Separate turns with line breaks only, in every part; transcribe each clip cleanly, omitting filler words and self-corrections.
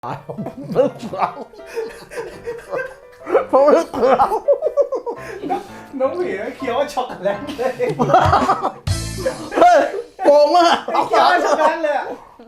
ลึกเราผมลึกเรา
น้องหมีเคี้ยวช็อกโกแลตเลย
เฮ้ยโกงมาก
เคี้ยวช็อกโกแลตเลย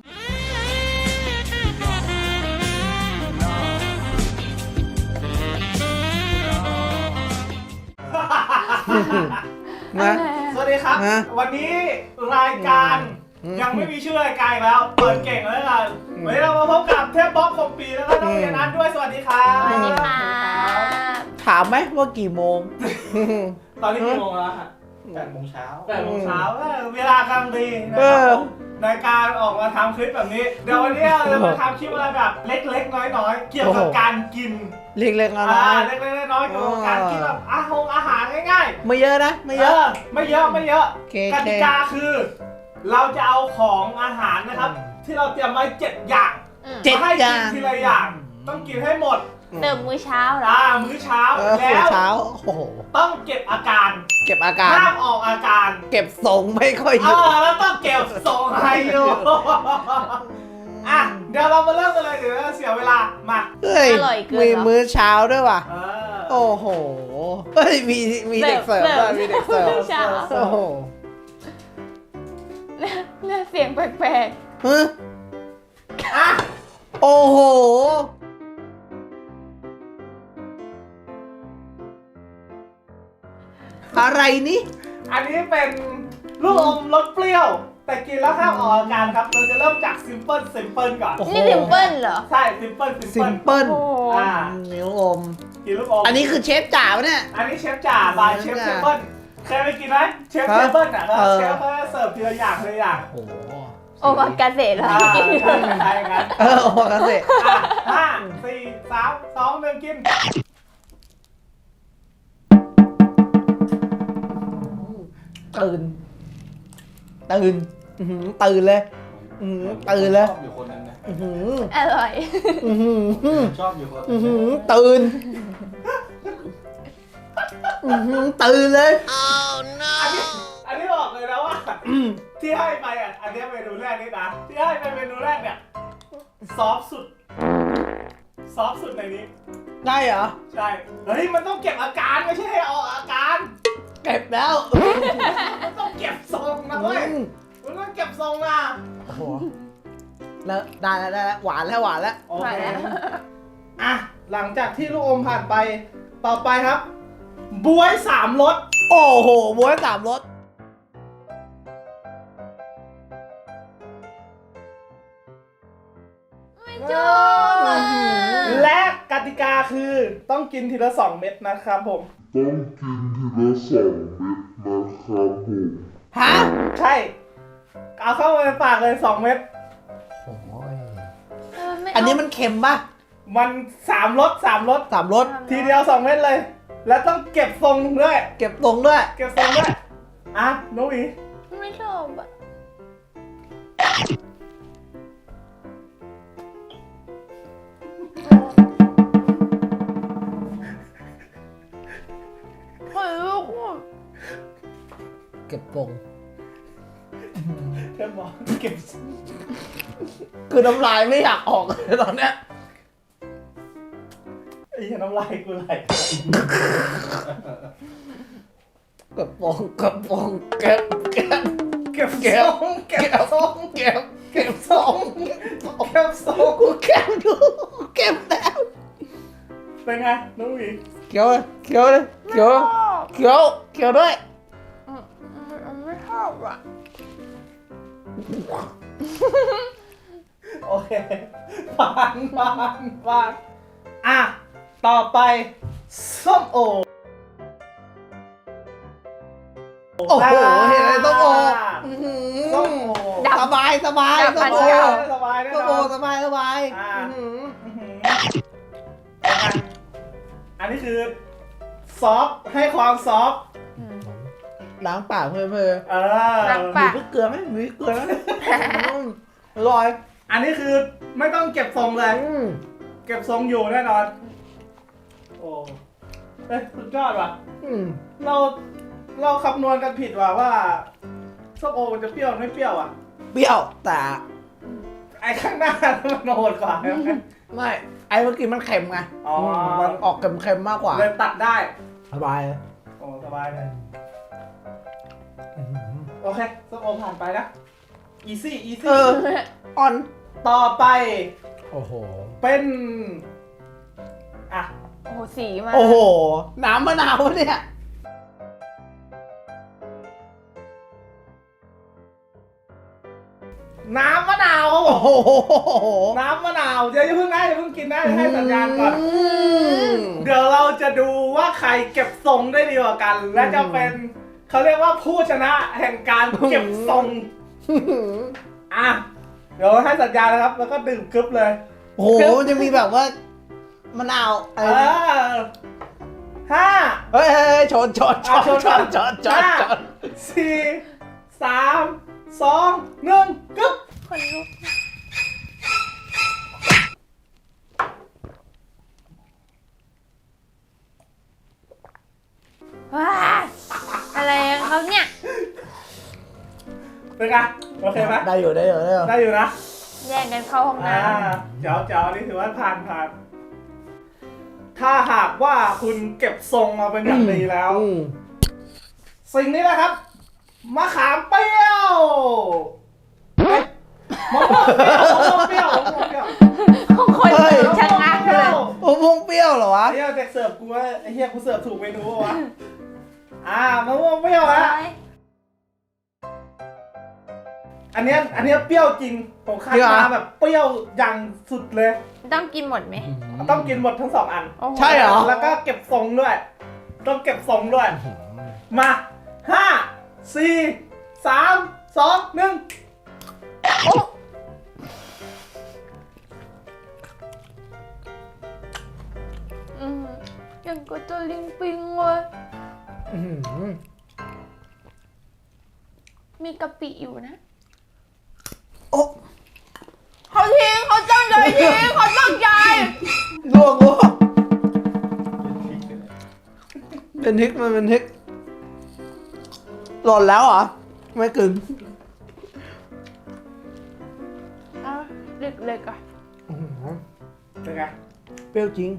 นะ
สวัสดีครับ วันนี้รายการยังไม่มีชื่อรายการอีกแล้ว เปิดเก่งแล้วกันวันนี้เรามาพบกับเทพบ๊อบคมปีแล้วก็น้องเรียนนัทด้วยสวัสดีครับ
สวัสดีค่ะ
ถามไหมว่ากี่โมง
ตอนนี้กี่โมงแล้วฮะ8 โมงเช้าเวลากำลังดีนะครับในการออกมาทำคลิปแบบนี้เดี๋ยววันนี้เราจะมาทำคลิปอะไรแบบเล็กๆน้อยๆเกี่ยวกับการกิน
เล็กๆน้อย
เล็กๆน้อยๆเกี่ยวกับการกินแบบอาหารง่าย
ๆไม่เยอะนะไม่เยอะ
ไม่เยอะกติกาคือ เราจะเอาของอาหารนะครับ ที่เราเตรียมไว้7 อย่าง
7
ให้
อย่า
กิน
ง
ทีละอย่าง ต้องกินให้หมด
เติมมื้อเช้าเหรอ
มื้อเช้า
มื้
แล้
อ
ว
เช้าโอ้โห
ต้องเก็บอาการ
เก็บอาการ
ห้ามออกอาการ
เก็บทรงไม่ค่อยเยอะ
แล้วต้องเก็บส่งให้อยู่เดี๋ยวเรามาเริ่มกันเลยเดี๋ยวเสียเวลามา
เฮ้ย
อร่อยเกิน
มี
เหรอ
มื้อเช้าด้วยว่ะ
เออ
โอ้โหเฮ้ยมีเด็กเสิร์ฟด้วยมีเด็กเสิร์ฟ
เช้า
โอ้โห
เนี่ยเสียงแปลก
ฮะ
อ่ะ
โอ้โหอะไรนี่
อันนี้เป็นลูกอมรสเปรี้ยว แต่กินแล้วห้ามออกอาการครับ เราจะเริ่มจากซิมเปิลก่อน
โอ้โห
ๆนี่ซิมเปิลเหรอ
ใช่ซิมเปิล
ซิมเปิล
โอ้โห
นิ้วอม
กินลูกอม
อันนี้คือเชฟจ๋าปะเนี่ย
อันนี้เชฟจ่าบายเชฟเทเบิลเคยไปกินไหมเชฟเทเบิลอ่ะเชฟเขาจะเสิร์ฟทีละอย่างทีละอย่าง
โอ้โห
โอมากาเสะเหรอ
ใช่งั้น
โอ้โหกันสิ
5 4 3 2 1กิน
ตื่นอื้อหือตื่นเลยตื่นเลย
ชอบอยู่คนนึงนะ
อื้อหือ
อร่อย
อื้อหือ
ชอบอยู่คน
อื้อหือตื่นตื่นเลย
อันนี้บอกเลยนะว่าที่ให้ไปอ่ะอันนี้เมนูแรกนี่นะที่ให้ไปเมนูแรกเนี่ยซอฟสุดในนี้
ได้เหรอ
ใช่เฮ้ยมันต้องเก็บอาการไม่ใช่ให้ออกอาการ
เก็บแล้ว
มันต้องเก็บทรงนะเว้ยมันต้องเก็บทรงนะ
โอ้โหแล้วได้แล้วหวานแล้ว
โอเคอ่ะหลังจากที่ลูกอมผ่านไปต่อไปครับบวย3 รส
โอ้โหบ๊วย3 รส
ไม่ชอบอ่ะ
และกติกาคือต้องกินทีละ2 เม็ดนะครับผม
ต้องกินทีละ2 เม็ดนะครับผม
ฮะ
ใช่ เอาเข้าไปในปากเลย2 เม็ด
โอ้ย
ไม่เา
อันนี้มันเค็มป่ะ
มัน3 รส
3 รส
ทีเดียว2 เม็ดเลย แล้วต้องเก็บทรงด้วย
เก็บตรงด้วย
เก็บทรงด้วยอ่ะนุ้ย
ไม่ชอบอ่ะเฮ้ยลูกอ่ะ
เก็บตรง
เธอบอกเก็บทรง
คือน้ำลายไม่อยากออกเลยตอนเนี้ย
ไอ้เหี้ยน้ำลายกูไหล
เก็บตรงเก็บตรงเก็บ
เก็บทรงเก็บทรง
เก็บ
เก็บทรงเก็บทรง
กูเก็บดูเก็บแล้ว
เป็นไงนุ้ย
เคี้ยวเลยเคี้ยวเลยเคี้ยวเคี้ยวเคี้ยวด้วย
ไม่ชอบอ่ะ
โอเคผ่านอ่ะต่อไปส้มโอ
โอ้โหเห็นอะไรต้องโอ
ส้มโอ
สบายส้มโอ
สบายแน่
ส้ม
น
โอ
อน
สบาย
อ่า อันนี้คือซอฟต์ให้ความซอฟต์
ล้างปากเพื่อ
ล้าง
มี
ปาก
พริกเกลือไหมมีพริกเกลือไหมอร่อย
อันนี้คือไม่ต้องเก็บทรงเลย เก็บทรงอยู่แน่นอน โอ้เอ้ยสุดยอดว่ะ เราคำนวณกันผิดว่าส้มโอมันจะเปรี้ยวไม่เปรี้ยวอ่ะ
เปรี้ยวแต่
ไอ้ข้างหน้ามันโหดกว่าใช่ไหม
ไม่ไอ้เมื่อกี้มันเค็มไง
อ๋อ
มันออกเค็มๆมากกว่า
เลยตัดได้
สบายเลย
โอ้สบายเลยโอเคส้มโอผ่านไปนะ easy
เอออ่อน
ต่อไป
โอ้โห
เป็นอ่ะ
โอ้โหสีมา
โอ้โหน้ำมะนาวเนี่ย
น้ำมะนาวครับผ
โอ้
ม
โห
น้ำมะนาวเดี๋ยวอย่าเพิ่งนะอย่าเพิ่งกินนะเดี๋ยวให้สัญญาณก่อน
ม
เดี๋ยวเราจะดูว่าใครเก็บทรงได้ดีกว่ากัน และจะเป็นเขาเรียกว่าผู้ชนะแห่งการเก็บทรงอ่ะเดี๋ยวให้สัญญาณนะครับ แล้วก็ดื่มกึ๊บเลย
โอ้โหมันจะมีแบบว่ามะนาวอะไรนะ
ห้า
เฮ้ยชน
อ่ะชนก่อนห้าสี่สามสองหนึ่งกึ๊บ
คนลุกว้าอะไรของเขาเนี่ย
เป็นไงโอเคไหม
ได้อยู่
ได้อยู่นะ
แย่งกันเข้าห้องน้
เจ๋วนี่ถือว่าผ่าน ถ้าหากว่าคุณเก็บทรงมาเป็นอย่างดีแล้ว
อืม
สิ่งนี้นะครับมะขามเปรี้ยวเอ้ยมะม่วงเปรี้ยว
ำของคนชะงักเลย
โอ้พวงเปรี้ยวเหรอวะ
ไอ้เหี้ยเด็กเสิร์ฟกูว่าไอ้เหี้ยกูเสิร์ฟถูกเมนูปะวะมะม่วงเปรี้ยวฮะอันเนี้ยเปรี้ยวจริงผมคัดมาแบบเปรี้ยวอย่างสุดเลย
ต้องกินหมดไหม
ต้องกินหมดทั้งสองอัน
โอ้โ
ใช่เหรอ
แล้วก็เก็บทรงด้วย ต้องเก็บทรงด้วย มาห้าสี่สามสองหนึ่ง
อืมยังก็จะลิงปิงเลย
อื้อหือ
มีกะปิอยู่นะ
โอ้
เขาทิ้งเขาตั้งใจทิ้งเขาตั้งใจ
ลวกเป็นทิกมันเป็นทิกหล่นแล้วเหรอ ไม่กึ่ง
อ่ะเล็กๆอ่ะ
อื้อหือ
เป็นไง
เปรี้ยวจริง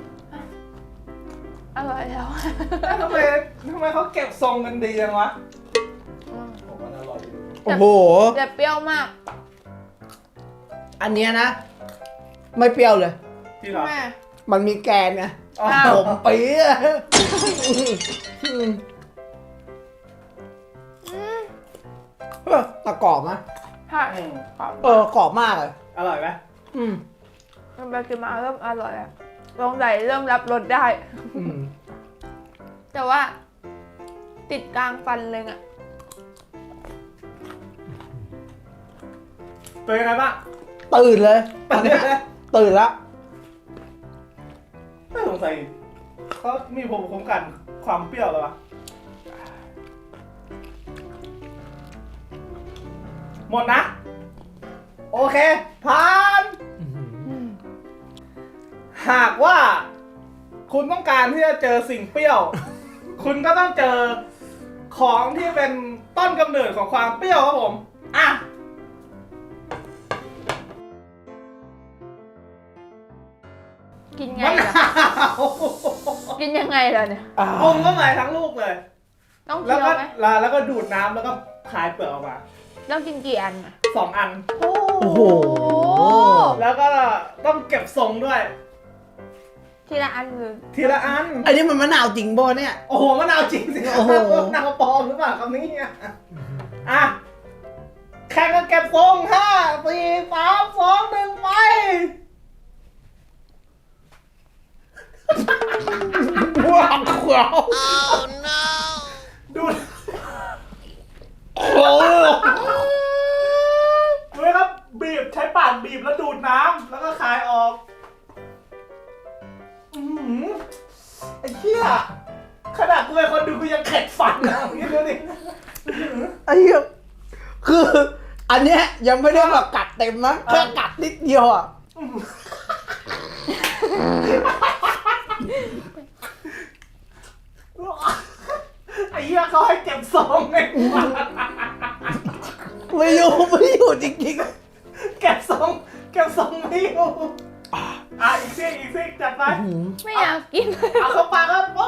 อร่อยแล้ว
ทำไมเขาเก็บทรงกันดีจังวะ
อืม
ผมว่าอร่อยอยู่
โอ้โห
แต่เปรี้ยวมาก
อันเนี้ยนะ ไม่เปรี้ยวเลย
จริงเหรอ
แม่
มันมีแกนไง
อ๋อ
อ้าว
ผมปี๊ะอืม
อืม
เออแต่กรอบนะ
ใช่
อืม
กรอบมากเลย
อร่อยไหม
อืม
มันไปกินมาเริ่มอร่อยอ่ะลงใส่เริ่มรับรสได้
อืม
แต่ว่า ติดกลางฟันเลยอ่ะ
เป็นยังไงบ้าง
ตื่นเลยตอนเนี้ยตื่นแล้ว
ไม่สงสัยเขามีภูมิคุ้มกันความเปรี้ยวเลยวะหมดนะ โอเคผ่าน หากว่าคุณต้องการที่จะเจอสิ่งเปรี้ยว คุณก็ต้องเจอของที่เป็นต้นกำเนิดของความเปรี้ยวครับผม อ่ะ
กินไง
มะ
ล่ะ
นาว
กินยังไงล่ะเนี่ย
ปรุงเข้าไปทั้งลูกเลย
ต้อง
แล้
เคี้
ว
ยว
ก็
ไหม
แล้วก็ดูดน้ำแล้วก็คายเปลือกออกมา
ต้องกินกี่อันอ่ะ
2 อัน
โอ้
โห
แล้วก็ต้องเก็บทรงด้วย
ทีละอันเลย
ทีละอัน
อันนี้มันมะนาวจริงบ่เนี่ย
โอ้โหมะนาวจริงสิครับ
โอ้โห
มะนาวปลอมหรือเปล่าคำนี้อ่ะแข่งกันเก็บทรง5 4 3 2 1ไป
ว้าวขวาว
ดู
โอ้
ดูนะครับบีบใช้ปากบีบแล้วดูดน้ำแล้วก็คายออกไอ้เหี้ยขนาดกูเป็นคนดูกูยังเข็ดฟันนะนี่ดูดิ
ไอ้เหี้ยคือ อันเนี้ยยังไม่ได้แบบกัดเต็มนะแค่กัดนิดเดียวอ่ะ
ไอ้เหี้ยเขาให้เก็บทรงไง
ไม่อยู่จริง
เก็บทรงไม่อยู่
ๆ
ซิกจัดไป
ไม่อยากกิน
เอาเข้าปากครับปุ๊บ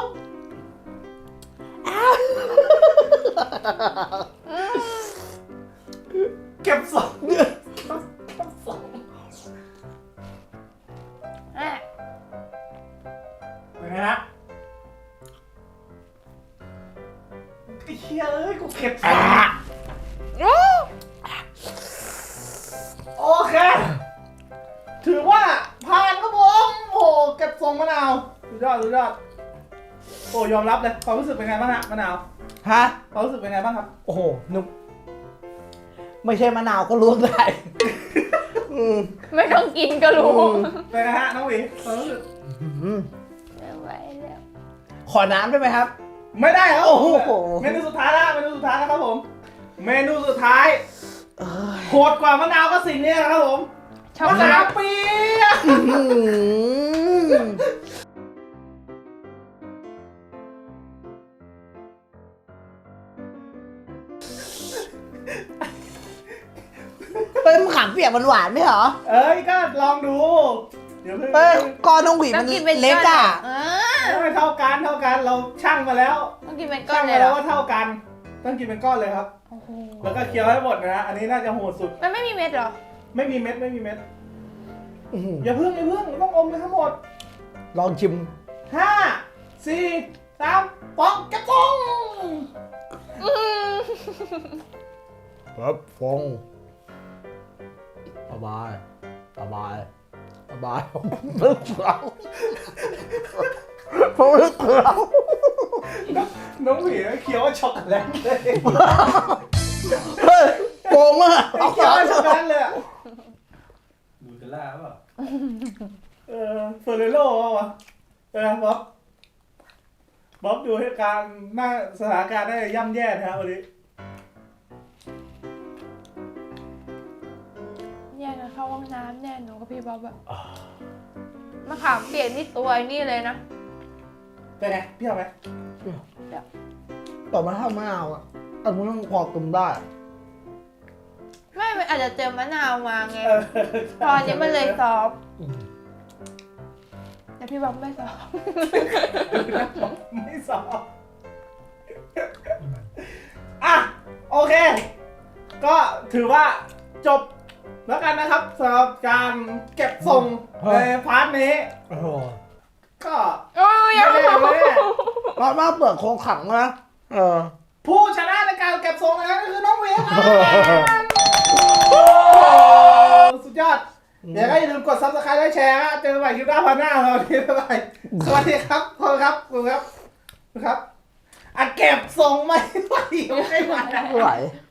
เก็บสองเก็บสองเป็นไงฮะไอ้เหี้ยเอ้ยกูเก็บสองโอเค ถือว่าผ่านครับผมโอ้เก็บทรงมะนาวสุดยอดสุดยอดโอ้ยอมรับเลยความรู้สึกเป็นไงบ้างฮะมะนาว
ฮะ
ความรู้สึกเป็นไงบ้างครับ
โอ้โหนุ่มไม่ใช่มะนาวก็รู้ได้
ไม่ต้องกินก็รู้
เป็นไงฮะน้องหวีความรู้สึก
ไม่ไหวแล้ว
ขอน้ำได้ไหมครับ
ไม่ได้ครับ
โอ้โห
เมนูสุดท้ายแล้วเมนูสุดท้ายแล้วครับผม เมนูสุดท้ายโหดกว่ามะนาวก็สิ่งนี้นะครับผม
ชอบ
มะนาวเปียก
เป็นมะขามเปียกมันหวานไหมเหรอ
เอ้ยก็ลองดูเดี๋ยวเพิ่ง
เอ้ยก้อนน้องหวี
ต้
มั
อน งกินเป็น
เล็กอ่ะ
ไม่เท่ากันเราชั่งมาแล้ว
ต้องกินเป็นก้อ
ชั่
น
ง
เล
มาย
เหร
แล้ว
อ
ว่าเท่ากัน ต้องกินเป็นก้อนเลยครับ
โอ้โห
แล้วก็เคี้ยวให้หมดนะฮะอันนี้น่าจะโหดสุด
มันไม่มีเม็ดเหรอ
ไม่มีเม็ดไม่มีเม็ด
อื้อหือ
อย่าเพิ่งต้องอมไปทั้งหมด
ลองชิม
5 4 3 2กระป๋อง
ครับฟงสบายสบายสบายลึกเราผมลึกเรา
น้องหวีเคี้ยวช็อกโกแลตเลย
เฮ้ยโกงมาก
เคี้ยวช็อกโกแลตเลยอะดูจะล่าเปล่าเฟอร์เรโร่ป่ะบ๊อบดูเหตุการณ์หน้าสถานการณ์ได้ย่ำแย่นะครับวันนี้
แย่นะเข้าห้องน้ำแน่หนูกับพี่บ๊อบอะมะขามเปียกนี่ตัวไอ้นี่เลยนะ
เป็นไงพี่เอาไหม
ต่อมาถ้ามะนาวอ่ะอันนี้ต้องพอตุมได้
ไม่มันอาจจะเจอมะนาวมาไงตอนนี้มันเลยซอฟต์แต่พี่บ๊อบไม่ซอฟต์
ไม่สอบอ่ะโอเค ก็ถือว่าจบแล้วกันนะครับสำหรับการเก็บทรงในพาร์ทนี้
โอ้โห
ก็
โอ้ยยัง
ไม่ได้ไม่ได้
ร้อนมากเปลือกโคงขังนะ
ผู้ชนะในการเก็บทรงนะครับก็คือน้องเวียครับสุดยอดเดี๋ยวก็อย่าลืมกด subscribe และแชร์นะเจอกันใหม่คลิปหน้าพันหน้าเราทีบ๊ายบายสวัสดีครับขอบคุณครับขอบคุณครับอ่ะเก็บทรงไม่ไหวไม่ไหว
ไม่ไหว